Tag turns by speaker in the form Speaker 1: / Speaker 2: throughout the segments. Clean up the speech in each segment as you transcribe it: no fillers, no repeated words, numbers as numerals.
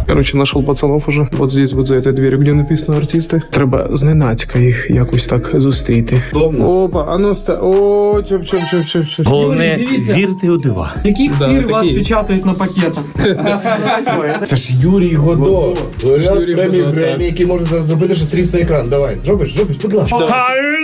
Speaker 1: Короче, нашел пацанов уже. Вот здесь, вот за этой дверью, где написано артисти. Треба зненацька їх якось так зустріти. Опа, а ну о, чоп.
Speaker 2: Головне, вірте у дива.
Speaker 3: Яких пір вас печатають на пакетах?
Speaker 4: Це ж Юрій Годо. Лауреат премії Гремі, який може зараз зробити, що трісне екран. Давай, зробиш, будь ласка.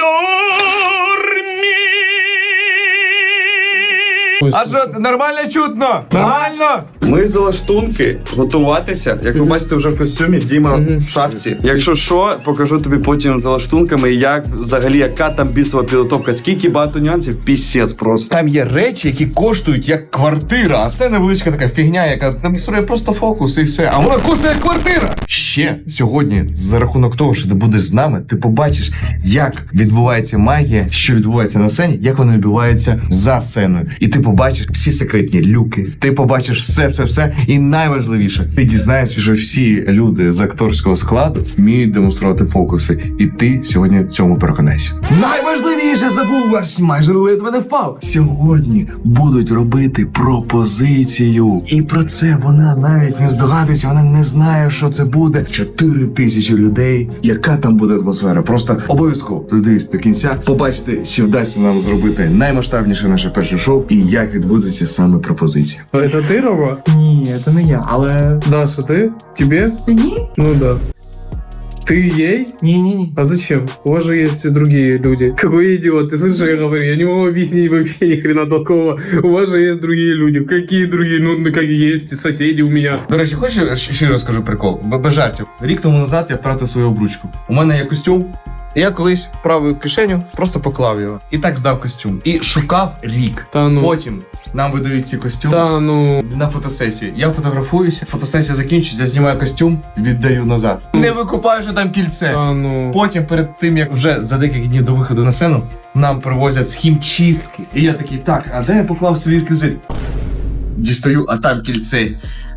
Speaker 4: А що, нормально чутно? Нормально?
Speaker 5: Ми за лаштунки готуватися. Як ви бачите, вже в костюмі, Діма в шапці. Якщо що, покажу тобі потім за лаштунками, як взагалі, яка там бісова підготовка. Скільки багато нюансів, пісець просто.
Speaker 4: Там є речі, які коштують як квартира, а це невеличка така фігня, яка демонструє просто фокус і все. А вона коштує як квартира. Ще сьогодні, за рахунок того, що ти будеш з нами, ти побачиш, як відбувається магія, що відбувається на сцені, як вона відбувається за сценою. І ти побачиш всі секретні люки, ти побачиш все. І найважливіше, ти дізнаєшся, що всі люди з акторського складу вміють демонструвати фокуси. І ти сьогодні в цьому переконайся. Найважливіше забув, аж майже ледве не впав. Сьогодні будуть робити пропозицію. І про це вона навіть не здогадується, вона не знає, що це буде. 4000 людей. Яка там буде атмосфера? Просто обов'язково додивіться до кінця, побачите, чи вдасться нам зробити наймасштабніше наше перше шоу і як відбудеться саме пропозиція.
Speaker 1: Это ты, Рома?
Speaker 3: Ні, це не я, але...
Speaker 1: Даша, ты? Тебе?
Speaker 6: Ні.
Speaker 1: Ну да. Ты ей?
Speaker 3: Ні.
Speaker 1: А зачем? У вас же есть и другие люди. Какой идиот, ты слышишь, что я говорю? Я не могу объяснить вообще ни хрена толкового. У вас же есть другие люди. Какие другие? Ну, как есть соседи у меня.
Speaker 4: До речі, хочеш ще розкажу прикол? Без жартів. Рік тому назад я втратив свою обручку. У мене є костюм. І я колись в праву кишеню просто поклав його. І так здав костюм. І шукав рік.
Speaker 1: Та ну.
Speaker 4: Потім нам видають ці костюми
Speaker 1: Да, ну.
Speaker 4: на фотосесію. Я фотографуюся, фотосесія закінчується, я знімаю костюм, віддаю назад. Не викупаю, що там кільце.
Speaker 1: Да, ну.
Speaker 4: Потім, перед тим, як вже за декілька днів до виходу на сцену, нам привозять з хімчистки. І я такий, так, а де я поклав свій реквізит? Дістаю, а там кільце.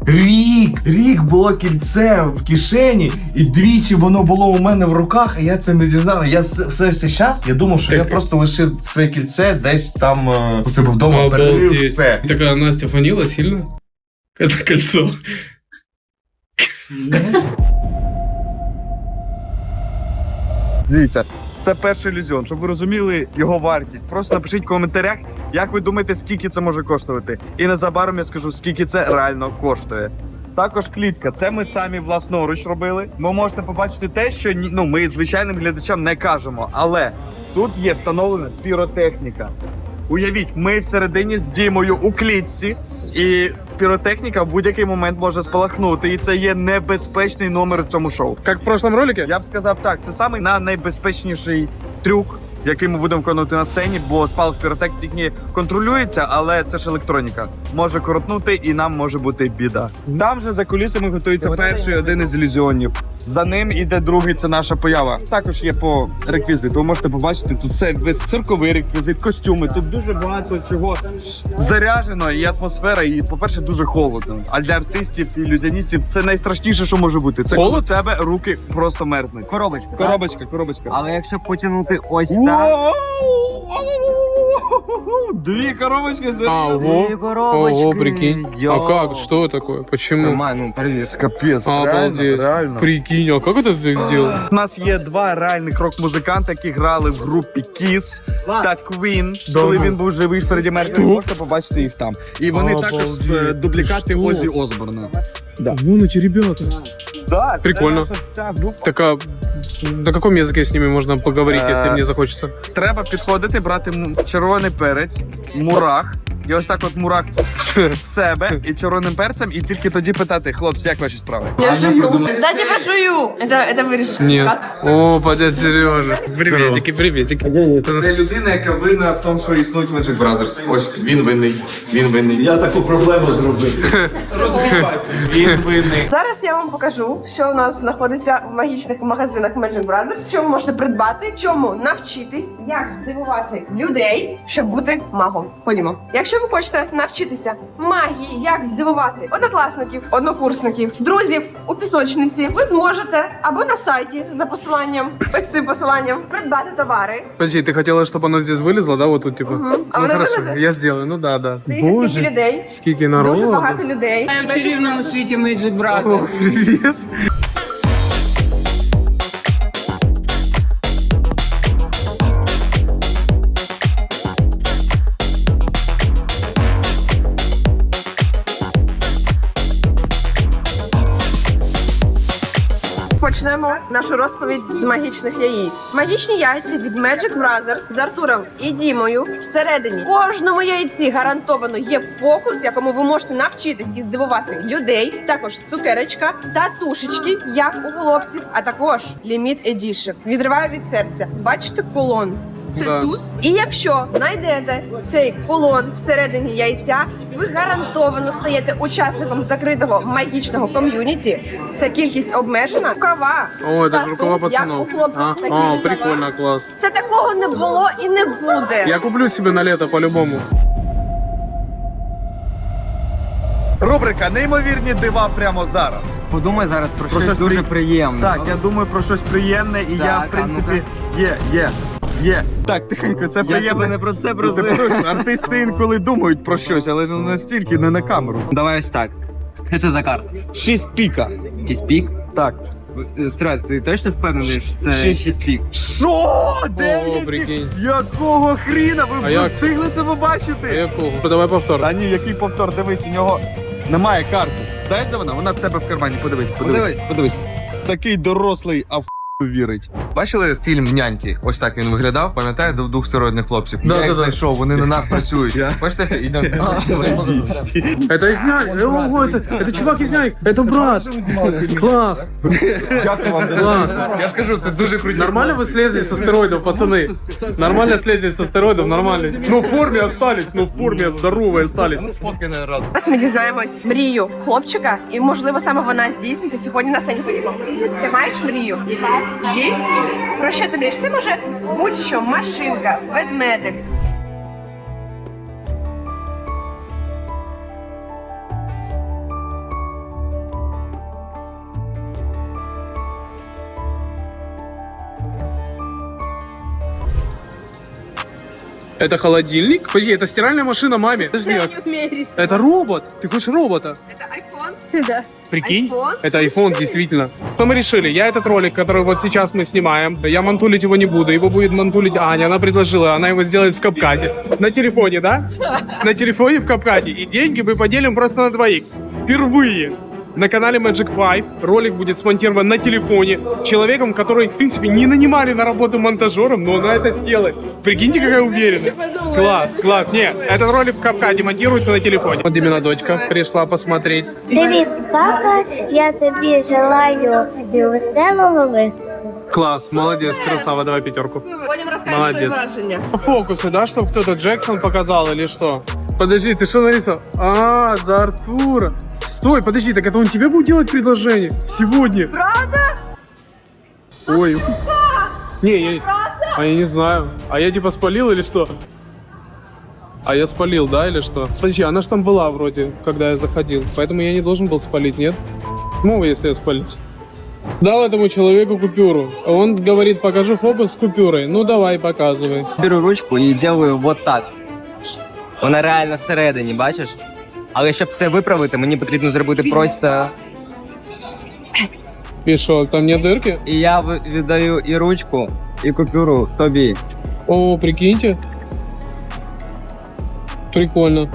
Speaker 4: Рік було кільце в кишені, і двічі воно було у мене в руках, а я це не дізнав. Я все цей час, я думав, що я просто лишив своє кільце десь там у себе вдома, перерив все.
Speaker 1: Такая Настя фанила сильно? За кольцо.
Speaker 5: Дивіться, це перший ілюзіон, щоб ви розуміли його вартість. Просто напишіть в коментарях, як ви думаєте, скільки це може коштувати. І незабаром я скажу, скільки це реально коштує. Також клітка. Це ми самі власноруч робили. Ви можете побачити те, що ми звичайним глядачам не кажемо. Але тут є встановлена піротехніка. Уявіть, ми всередині з Дімою у клітці, і піротехніка в будь-який момент може спалахнути. І це є небезпечний номер у цьому шоу.
Speaker 1: Как в прошлом ролике?
Speaker 5: Я б сказав так, це самий найбезпечніший трюк, який ми будемо виконувати на сцені, бо спалах піротехніки контролюється, але це ж електроніка. Може коротнути і нам може бути біда. Там же за кулісами готується перший один із ілюзіонів. За ним іде другий, це наша поява. Також є по реквізиту. Ви можете побачити, тут все весь цирковий реквізит, костюми. Тут дуже багато чого заряджено, і атмосфера, і, по-перше, дуже холодно. А для артистів і ілюзіоністів це найстрашніше, що може бути. Це коли у тебе руки просто мерзнуть. Коробочка.
Speaker 3: Але якщо потягнути ось так...
Speaker 5: Дві коробочки за
Speaker 1: Ого, прикинь. А как? Что такое? Почему?
Speaker 5: Капець,
Speaker 1: Обалдеть.
Speaker 5: реально.
Speaker 1: Прикинь, а как это ты сделал?
Speaker 5: У нас є два реальних рок-музиканти, які грали в групі Kiss та Queen, коли він був живий Фредді Меркурі. Можете побачити їх там. І вони також дублікати Оззі Осборна.
Speaker 1: Вон эти ребята.
Speaker 5: Да,
Speaker 1: Прикольно.
Speaker 5: це наша вся група.
Speaker 1: Так а на каком языке с ними можно поговорить, если мне захочется?
Speaker 5: Треба підходити, брати червоний перець, мурах. І ось так от мурах в себе і червоним перцем, і тільки тоді питати: хлопці, як ваші справи?
Speaker 6: Я жую. Кстати, пожую. Это вырежешь.
Speaker 1: Нет. О, дядя Сережа. Приветики.
Speaker 4: Це людина, яка винна в тому, що існують Magic Brothers. Ось він винний. Я таку проблему зробив. Він винний.
Speaker 6: Зараз я вам покажу, що у нас знаходиться в магічних магазинах Magic Brothers, що ви можете придбати, чому навчитись, як здивувати людей, щоб бути магом. Ходімо. Якщо ви хочете навчитися магії, як здивувати однокласників, однокурсників, друзів у пісочниці, ви зможете або на сайті за посиланням, ось цим посиланням, придбати товари.
Speaker 1: Подожди, ты хотела, чтобы оно здесь вылезло, да, вот тут, типа?
Speaker 6: А
Speaker 1: Ну
Speaker 6: воно
Speaker 1: хорошо,
Speaker 6: вилезе?
Speaker 1: я сделаю, ну да, да.
Speaker 6: Скільки людей,
Speaker 1: скільки народу.
Speaker 6: дуже багато людей.
Speaker 3: В чарівному світі Magic
Speaker 1: О,
Speaker 3: Brothers.
Speaker 1: привет.
Speaker 6: Почнемо нашу розповідь з магічних яєць. Магічні яйця від Magic Brothers з Артуром і Дімою. Всередині кожному яйці гарантовано є фокус, якому ви можете навчитись і здивувати людей. Також цукерочка та тушечки, як у хлопців, а також Limited Edition. Відриваю від серця. Бачите кулон? Це
Speaker 1: Да.
Speaker 6: туз. І якщо знайдете цей кулон всередині яйця, ви гарантовано стаєте учасником закритого магічного ком'юніті. Це кількість обмежена. Рукава.
Speaker 1: О, это же
Speaker 6: стату,
Speaker 1: рукава
Speaker 6: як
Speaker 1: пацанов.
Speaker 6: у хлопців,
Speaker 1: А,
Speaker 6: такі
Speaker 1: а,
Speaker 6: рукава.
Speaker 1: прикольно, класс.
Speaker 6: Це такого не було і не буде.
Speaker 1: Я куплю себе на лето по-любому.
Speaker 5: Рубрика «Неймовірні дива» прямо зараз.
Speaker 3: Подумай зараз про
Speaker 5: щось
Speaker 3: щось дуже
Speaker 5: при-
Speaker 3: приємне.
Speaker 5: Так, я думаю про щось приємне, і я,
Speaker 3: Так,
Speaker 5: в принципі, є. Так, тихенько, це
Speaker 3: Я тебе
Speaker 5: приємне.
Speaker 3: не про це
Speaker 5: Ну, ти
Speaker 3: просив.
Speaker 5: прошу, артисти інколи думають про щось, але ж не настільки, не на камеру.
Speaker 3: Давай ось так. Що це за карта?
Speaker 5: 6 піка.
Speaker 3: Якийсь пік?
Speaker 5: Так.
Speaker 3: Стрель, ти точно впевнений, що це
Speaker 1: Шість.
Speaker 3: 6 пік?
Speaker 5: Що?
Speaker 1: О,
Speaker 5: 9
Speaker 1: прикинь.
Speaker 5: Якого хріна?
Speaker 1: А
Speaker 5: Ви
Speaker 1: як
Speaker 5: встигли це побачити?
Speaker 1: Якого? Ну, давай повтор.
Speaker 5: Та ні, який повтор, дивись, у нього немає карти. Знаєш, де вона? Вона в тебе в кармані. Подивись. Такий дорослий, а в вірить. Бачили фільм «Няньки»? Ось так він виглядав, пам'ятаєте, двох стероїдних хлопців?
Speaker 1: Да,
Speaker 5: Я їх
Speaker 1: да, да.
Speaker 5: знайшов, вони на нас працюють. Бачите, йдемо.
Speaker 1: Это из Нянь. Ого, это чувак из Нянь. Это брат. Класс.
Speaker 5: Дякую вам.
Speaker 1: Класс.
Speaker 5: Я ж кажу, це дуже круті.
Speaker 1: Нормально вы слезли с астероидов, пацаны? Нормально слезли с астероидов, нормально. Ну в форме остались, ну в форме здоровые остались.
Speaker 5: Сфоткай на раз.
Speaker 6: Зараз ми дізнаємось мрію хлопчика, і можливо саме вона здійсниться сьогодні на сцені. Ходімо. Ти маєш мрію? Є? Про що ти мрієш? Це може будь-що, машинка, ведмедик.
Speaker 1: Это холодильник? Подожди, это стиральная машина маме. Подожди, это робот. Ты хочешь робота?
Speaker 6: Це айфон? Да.
Speaker 1: Прикинь,
Speaker 6: iPhone?
Speaker 1: это iPhone, действительно. Что мы решили? Я этот ролик, который вот сейчас мы снимаем, я мантулить его не буду, его будет мантулить Аня, она предложила, она его сделает в капкате. На телефоне, да? На телефоне в капкате. И деньги мы поделим просто на двоих. Впервые на канале Magic 5 ролик будет смонтирован на телефоне человеком, который, в принципе, не нанимали на работу монтажером, но она это сделает. Прикиньте, какая уверенность. Класс, класс. Нет, этот ролик в капкате монтируется на телефоне. Вот именно дочка пришла посмотреть.
Speaker 7: Привіт, папа. Я тобі желаю веселого виступу.
Speaker 1: Класс, молодец, красава, давай пятерку.
Speaker 6: Потім розкажеш свої
Speaker 1: Молодець.
Speaker 6: враження.
Speaker 1: Фокусы, да, чтобы кто-то Джексон показал или что? Подожди, ты что нарисовал? А, за Артура. Стой, подожди, так это он тебе будет делать предложение? Сегодня? Правда? Ой. Не, я не знаю. А я типа спалил или что? А я спалил, да, или что? Подожди, она ж там была вроде, когда я заходил. Поэтому я не должен был спалить, нет? Ну, если я спалить. Дал этому человеку купюру. Он говорит, покажу фокус с купюрой. Ну, давай, показывай.
Speaker 3: Беру ручку і делаю вот так. Вона реально всередині, бачиш? Але щоб все виправити, мені потрібно зробити просто.
Speaker 1: И шо, там нет дырки?
Speaker 3: І я віддаю і ручку, і купюру тобі.
Speaker 1: О, прикиньте. Прикольно.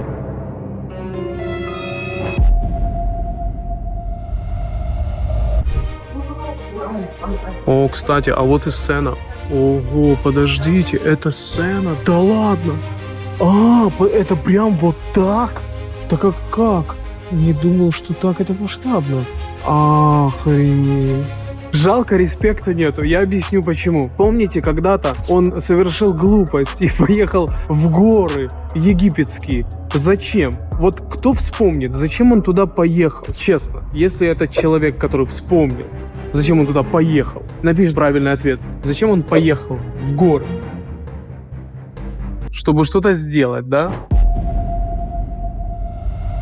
Speaker 1: О, кстати, а вот и сцена. Ого, подождите, это сцена? Да ладно. А, это прям вот так? Так а как? Не думал, что так это масштабно. Охренеть. Жалко, респекта нету. Я объясню почему. Помните, когда-то он совершил глупость и поехал в горы египетские. Зачем? Вот кто вспомнит, зачем он туда поехал? Честно, если это человек, который вспомнил, зачем он туда поехал? Напиши правильный ответ. Зачем он поехал в горы? Чтобы что-то сделать, да?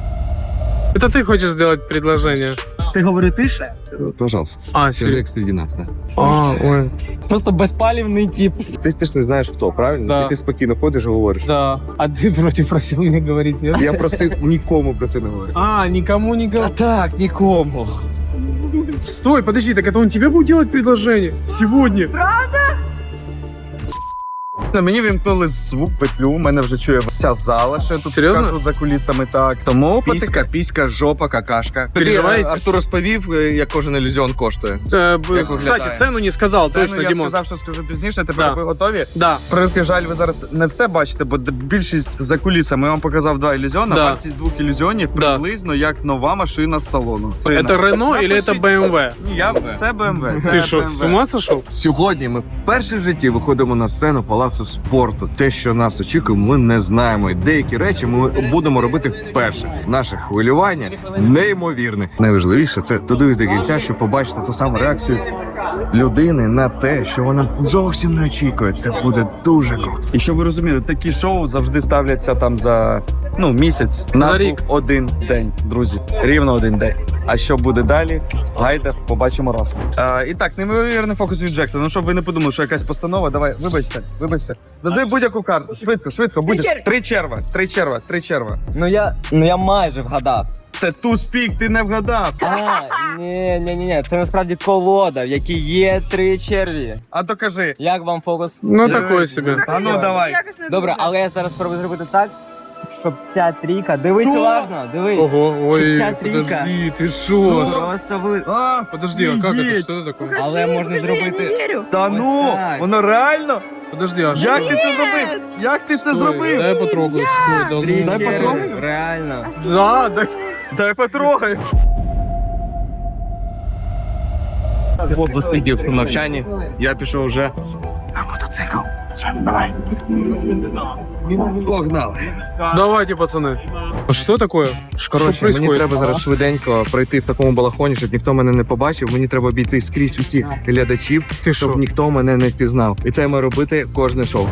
Speaker 1: Это ты хочешь сделать предложение?
Speaker 3: Ти говори тише?
Speaker 4: Пожалуйста.
Speaker 1: А, серьезно?
Speaker 4: серед нас, да.
Speaker 1: А, ой.
Speaker 3: Просто безпалівний тип.
Speaker 4: Ти ж не знаєш хто, правильно?
Speaker 1: Да.
Speaker 4: І ти спокійно ходиш і говориш.
Speaker 1: Да. А ты вроде просил мне говорить, нет?
Speaker 4: Я просив нікому про це не говорити.
Speaker 1: А, никому не
Speaker 4: А
Speaker 1: говори.
Speaker 4: так, нікому.
Speaker 1: Стой, подожди, так это он тебе будет делать предложение? Сегодня?
Speaker 5: Мені вімкнули звук петлю, мене вже чує вся зала, що я тут
Speaker 1: Серйозно?
Speaker 5: кажу за кулісами. Так. Тому
Speaker 4: Піська, жопа, какашка.
Speaker 1: Переживаєте?
Speaker 4: Артур розповів, як кожен ілюзіон коштує.
Speaker 1: Кстати,
Speaker 4: выглядает?
Speaker 1: цену не сказал,
Speaker 5: Це,
Speaker 1: точно,
Speaker 5: я
Speaker 1: Димон.
Speaker 5: сказав, що скажу пізніше, тепер
Speaker 1: Да.
Speaker 5: ви готові?
Speaker 1: Да.
Speaker 5: Превеликий жаль, ви зараз не все бачите, бо більшість за кулісами. Я вам показав 2 ілюзіони,
Speaker 1: Да.
Speaker 5: вартість 2 ілюзіонів
Speaker 1: Да.
Speaker 5: приблизно як нова машина з салону.
Speaker 1: Это Рено или это BMW?
Speaker 5: Ні, це BMW. Це
Speaker 1: Ты что,
Speaker 5: BMW.
Speaker 1: с ума сошел?
Speaker 4: Сьогодні ми вперше в житті виходимо на сцену палацу спорту. Те, що нас очікує, ми не знаємо. І деякі речі ми будемо робити вперше. Наше хвилювання неймовірне. Найважливіше це додивись до кінця, щоб побачити ту саму реакцію людини на те, що вона зовсім не очікує. Це буде дуже круто.
Speaker 5: І щоб ви розуміли, такі шоу завжди ставляться там за місяць
Speaker 1: За
Speaker 5: на
Speaker 1: рік.
Speaker 5: один день, друзі. Рівно один день. А що буде далі? Гайде, побачимо разом. І так, неймовірний фокус від Джексона. Ну, щоб ви не подумали, що якась постанова. Давай, вибачте. Назви будь-яку карту. Швидко. Буде. Три черва.
Speaker 3: Ну я майже вгадав.
Speaker 5: Це туз-пік, ти не вгадав.
Speaker 3: Ні, це насправді колода, в якій є 3 черві.
Speaker 5: А то кажи.
Speaker 3: Як вам фокус?
Speaker 1: Ну, такое себе.
Speaker 5: А ну, давай.
Speaker 6: Якось не
Speaker 3: Добре,
Speaker 6: дуже.
Speaker 3: але я зараз спробую зробити так, щоб ця трійка. Дивись уважно, дивись.
Speaker 1: Ого, ой,
Speaker 3: Ця трійка.
Speaker 1: подожди, ты шо?
Speaker 3: Просто ви.
Speaker 1: Подожди, а как это?
Speaker 5: Офигеть.
Speaker 1: Что это такое?
Speaker 6: Покажи,
Speaker 3: Але можна
Speaker 6: покажи,
Speaker 3: зробити-
Speaker 6: Я не вірю.
Speaker 5: Та
Speaker 3: Ось
Speaker 5: ну,
Speaker 3: так.
Speaker 5: воно реально?
Speaker 1: Подожди, а что?
Speaker 5: Як ти це зробив? Як ти це
Speaker 1: Стой,
Speaker 5: зробив?
Speaker 1: Дай я потрогаю. Стой, да
Speaker 3: Три
Speaker 1: ну.
Speaker 5: Дай
Speaker 3: черви,
Speaker 5: потрогаю.
Speaker 3: реально.
Speaker 1: Да, да.
Speaker 5: Дай потрогай.
Speaker 4: Посидів в навчанні, я пішов вже.
Speaker 5: Погнали.
Speaker 1: Давайте, пацаны. А что такое? Что
Speaker 4: Коротше, мені
Speaker 1: происходит?
Speaker 4: треба зараз швиденько пройти в такому балахоні, щоб ніхто мене не побачив. Мені треба обійти скрізь усіх глядачів,
Speaker 1: Ти
Speaker 4: щоб
Speaker 1: що?
Speaker 4: ніхто мене не впізнав. І це має робити кожне шоу.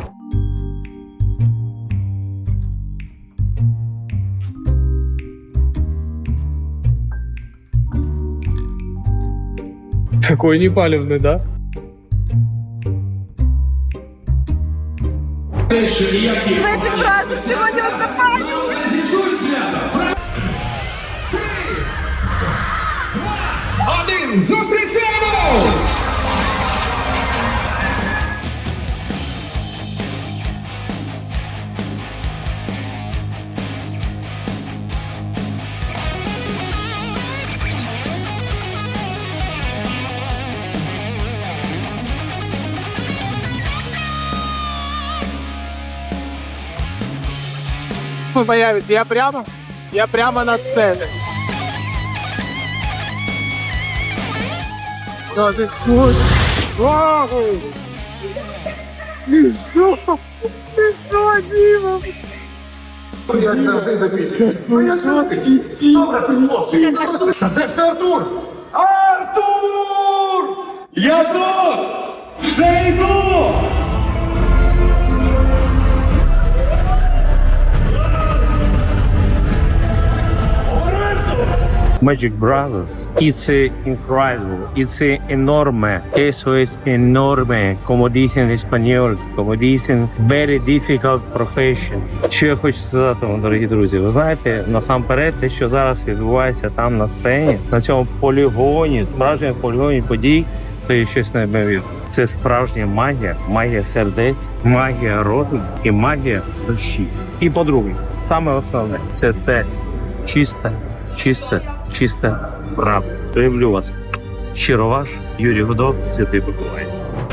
Speaker 1: Такой непалевный, да?
Speaker 6: Magic Brothers сьогодні виступають.
Speaker 1: Появится. Я прямо над сценой. Да ты ой. Ты что? Ты что, Дима?
Speaker 2: Magic Brothers. It's incredible. It's enorme. Eso es enorme. Como dicen en español, como dicen very difficult profession. Що я хочу сказати вам, дорогі друзі? Ви знаєте, насамперед, те, що зараз відбувається там на сцені, на цьому полігоні, справжньому полігоні подій, то є щось неймовірне. Це справжня магія, магія сердець, магія розуму і магія душі. І по-друге, саме основне, це все чисте правда. Люблю вас. Щиро ваш Юрій Гудок, Святий Миколай.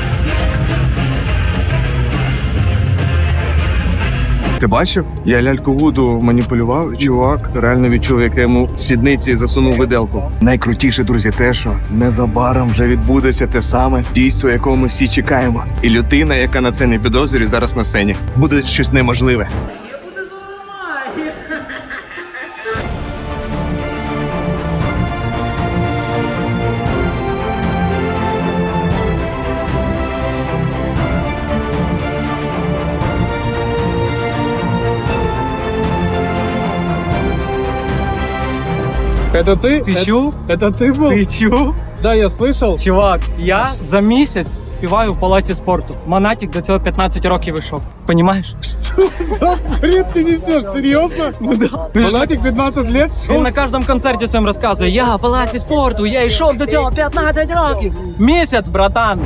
Speaker 4: Ти бачив? Я ляльку Вуду маніпулював, і чувак реально відчув, як я йому в сідниці засунув виделку. Найкрутіше, друзі, те, що незабаром вже відбудеться те саме дійство, якого ми всі чекаємо. І людина, яка на це не підозрює, зараз на сцені. Буде щось неможливе.
Speaker 1: Это ты?
Speaker 8: Ти чув?
Speaker 1: Это ты был?
Speaker 8: Ти чув?
Speaker 1: Да, я слышал.
Speaker 8: Чувак, я за місяць співаю в палаці спорту. Монатік до цього 15 років вийшов. Понімаєш?
Speaker 1: Что за бред ты несешь? Серьезно? Монатик 15 лет
Speaker 8: Він
Speaker 1: шел?
Speaker 8: на кожному концерті своєму розказує: я в палаці спорту, я йшов до цього 15 років. Місяць, братан.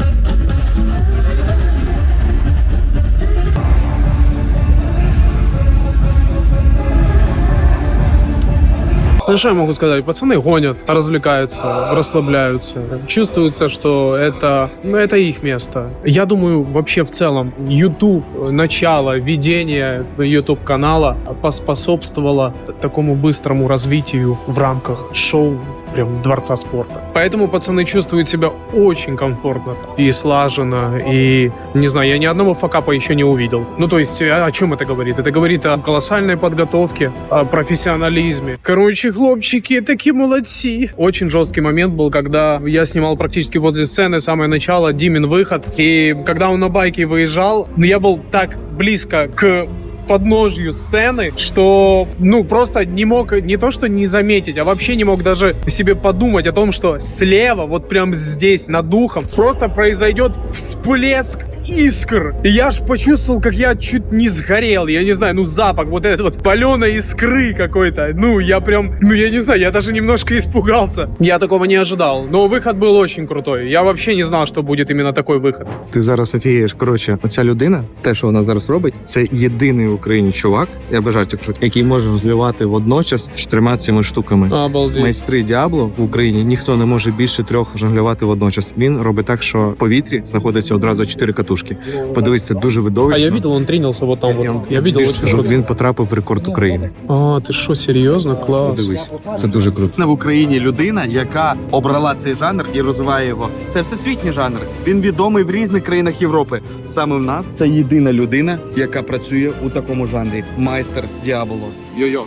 Speaker 1: Ну, что я могу сказать? Пацаны гонят, развлекаются, расслабляются. Чувствуется, что это их место. Я думаю, вообще в целом YouTube, начало, ведение YouTube-канала поспособствовало такому быстрому развитию в рамках шоу прям Дворца спорта. Поэтому пацаны чувствуют себя очень комфортно и слаженно, и, не знаю, я ни одного факапа еще не увидел. Ну, то есть, о чем это говорит? Это говорит о колоссальной подготовке, о профессионализме. Короче, хлопчики, такие молодцы. Очень жесткий момент был, когда я снимал практически возле сцены самое начало, Димин выход, и когда он на байке выезжал, я был так близко к подножью сцены, что, просто не мог не то что не заметить, а вообще не мог даже себе подумать о том, что слева, вот прям здесь, над ухом, просто произойдет всплеск искр. И я аж почувствовал, как я чуть не сгорел. Я не знаю, запах вот этот вот паленой искры какой-то. Я не знаю, я даже немножко испугался. Я такого не ожидал. Но выход был очень крутой. Я вообще не знал, что будет именно такой выход.
Speaker 9: Ти зараз офігієш. Коротше, оця людина, те, що вона зараз робить, це єдиний в Україні чувак, я без жартів кажу, який може жонглювати водночас 4 цими штуками.
Speaker 1: Обалдеть.
Speaker 9: Майстри Діабло в Україні ніхто не може більше 3 жонглювати водночас. Він робить так, що в повітрі знаходиться одразу 4 катушки. Подивись, це дуже видовищно.
Speaker 1: А я видел, он тренился вот там. Я видел,
Speaker 9: Більше
Speaker 1: очень
Speaker 9: скажу,
Speaker 1: круто.
Speaker 9: він потрапив в рекорд України.
Speaker 1: А, ты что, серьезно? Класс.
Speaker 9: Подивись, це дуже круто.
Speaker 5: В Україні людина, яка обрала цей жанр і розвиває його. Це всесвітній жанр. Він відомий в різних країнах Європи. Саме в нас це єдина людина, яка працює у такому жанрі. Майстер Діабло. Йо-йо.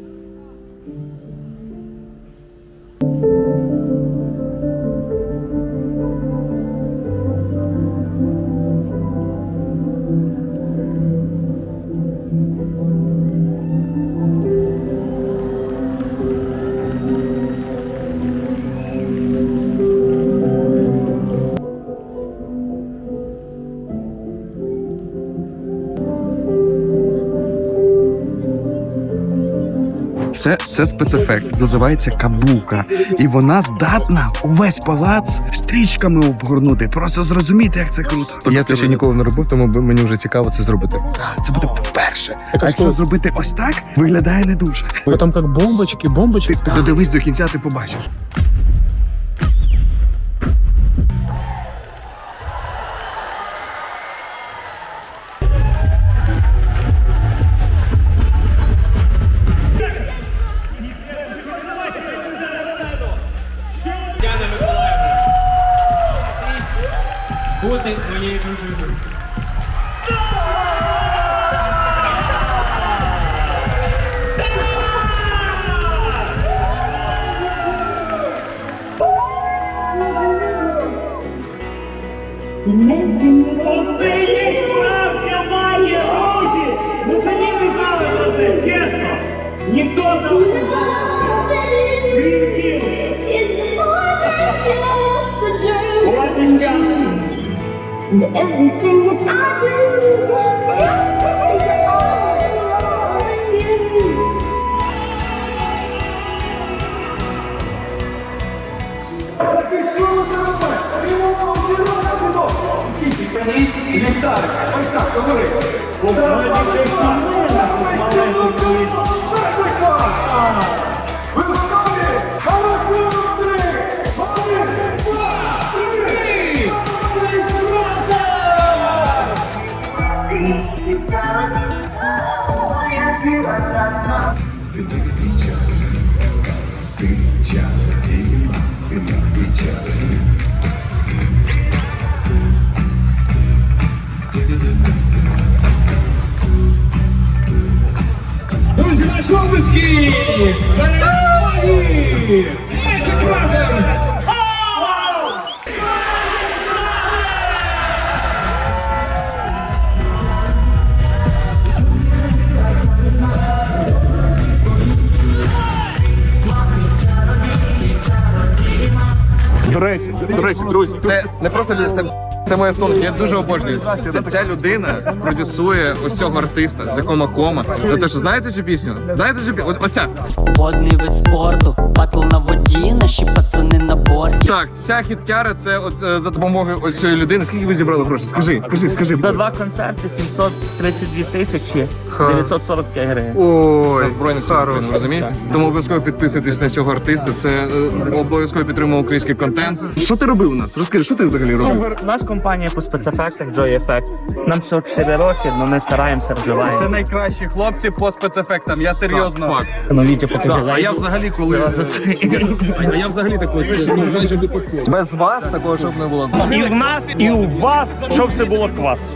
Speaker 10: Це спецефект, називається кабука. І вона здатна увесь палац стрічками обгорнути. Просто зрозуміти, як це круто.
Speaker 9: Я це ще ніколи не робив, тому мені вже цікаво це зробити.
Speaker 10: Це буде вперше.
Speaker 1: Так,
Speaker 10: А якщо зробити ось так, виглядає не дуже.
Speaker 1: Там как бомбочки.
Speaker 10: Ти додивись до кінця, ти побачиш.
Speaker 2: Бути твоєю дружиною.
Speaker 11: Оце є справжня магія, друзі! Ми самі не знали про це, чесно! Ніхто нам не знав!
Speaker 7: Everything that I do is all in you.
Speaker 11: Зафіксуємо це робити! Стрімово червоне вино! Всі підпаліть ліхтарик! Ось так, говори! Ви готові? На рахунок 3! 1, 2, 3! Друзі, наші обласки! Перемоги! Magic Brothers!
Speaker 1: До речі, друзі.
Speaker 9: Це не просто це моє сонце. Я дуже обожнюю. Ця людина продюсує ось цього артиста, з якого кома. Ну то що знаєте цю пісню? Знаєте цю пісню? Оця.
Speaker 12: Водний вид спорту, батл на воді, наші пацани на борті.
Speaker 9: Так, ця хіткяра це от за допомогою ось цієї людини. Скільки ви зібрали грошей? Скажи.
Speaker 11: За 2 концерти 732 тисячі 945 гривень.
Speaker 1: Ой,
Speaker 9: На Збройних Сил України, розумієте? Тому обов'язково підписуйтесь на цього артиста. Це обов'язково підтримує український контент. Що ти робив у нас? Розкажи, що ти взагалі робив?
Speaker 11: У нас компанія по спецефектах Joy Effect. Нам всього 4 роки, але ми стараємося, розвиваємося.
Speaker 5: Це найкращі хлопці по спецефектам. Я серйозно.
Speaker 11: Ну, Вітя, покажи.
Speaker 1: а я взагалі коли... А я взагалі такий, майже випадково.
Speaker 9: Без вас такого щоб не було.
Speaker 11: І в нас, і у вас, щоб все було клас.